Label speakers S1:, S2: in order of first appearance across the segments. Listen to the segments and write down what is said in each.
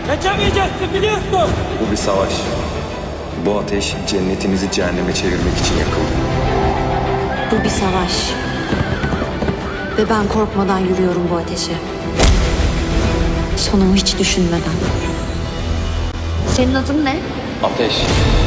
S1: Kaçamayacaksın biliyorsun.
S2: Bu bir savaş. Bu ateş cennetinizi cehenneme çevirmek için yakıldı.
S3: Bu bir savaş. Ve ben korkmadan yürüyorum bu ateşe. Sonumu hiç düşünmeden. Senin adın ne?
S2: Ateş.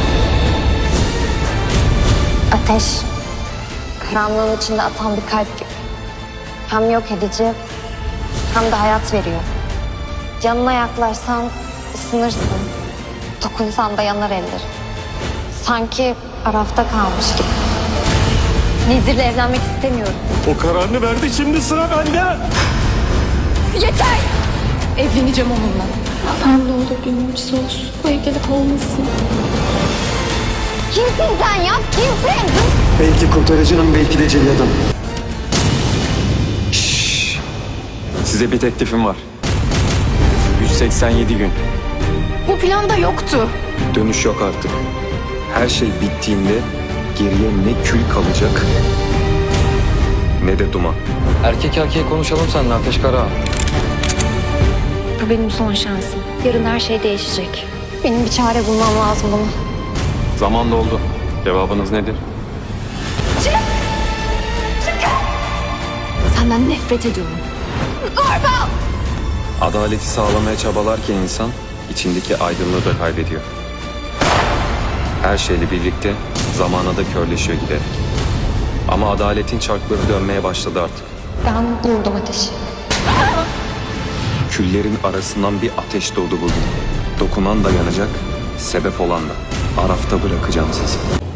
S4: Ateş, karanlığın içinde atan bir kalp gibi. Hem yok edici, hem de hayat veriyor. Yanına yaklaşsan ısınırsın, dokunsan da yanar eller. Sanki Araf'ta kalmış gibi. Nizir'le evlenmek istemiyorum.
S5: O kararını verdi, şimdi sıra bende.
S4: Yeter!
S6: Evleneceğim onunla. Allah'ım ne olur bir mucize olsun. Bu evlilik olmasın.
S4: Kimsin sen ya? Kimsin?
S5: Belki kurtarıcının, belki de celladın.
S2: Size bir teklifim var. 187 gün.
S6: Bu planda yoktu.
S2: Dönüş yok artık. Her şey bittiğinde geriye ne kül kalacak ne de duman. Erkek erkeğe konuşalım seninle Ateş Kara.
S3: Bu benim son şansım. Yarın her şey değişecek.
S4: Benim bir çare bulmam lazım buna.
S2: Zaman doldu. Cevabınız nedir?
S3: Senden nefret ediyorum.
S2: Adaleti sağlamaya çabalarken insan içindeki aydınlığı da kaybediyor. Her şeyle birlikte zamana da körleşiyor giderek. Ama adaletin çarkları dönmeye başladı artık.
S4: Ben vurdum ateşi.
S2: Küllerin arasından bir ateş doğdu bugün. Dokunan da yanacak, sebep olan da. Arafta bırakacağım sizi.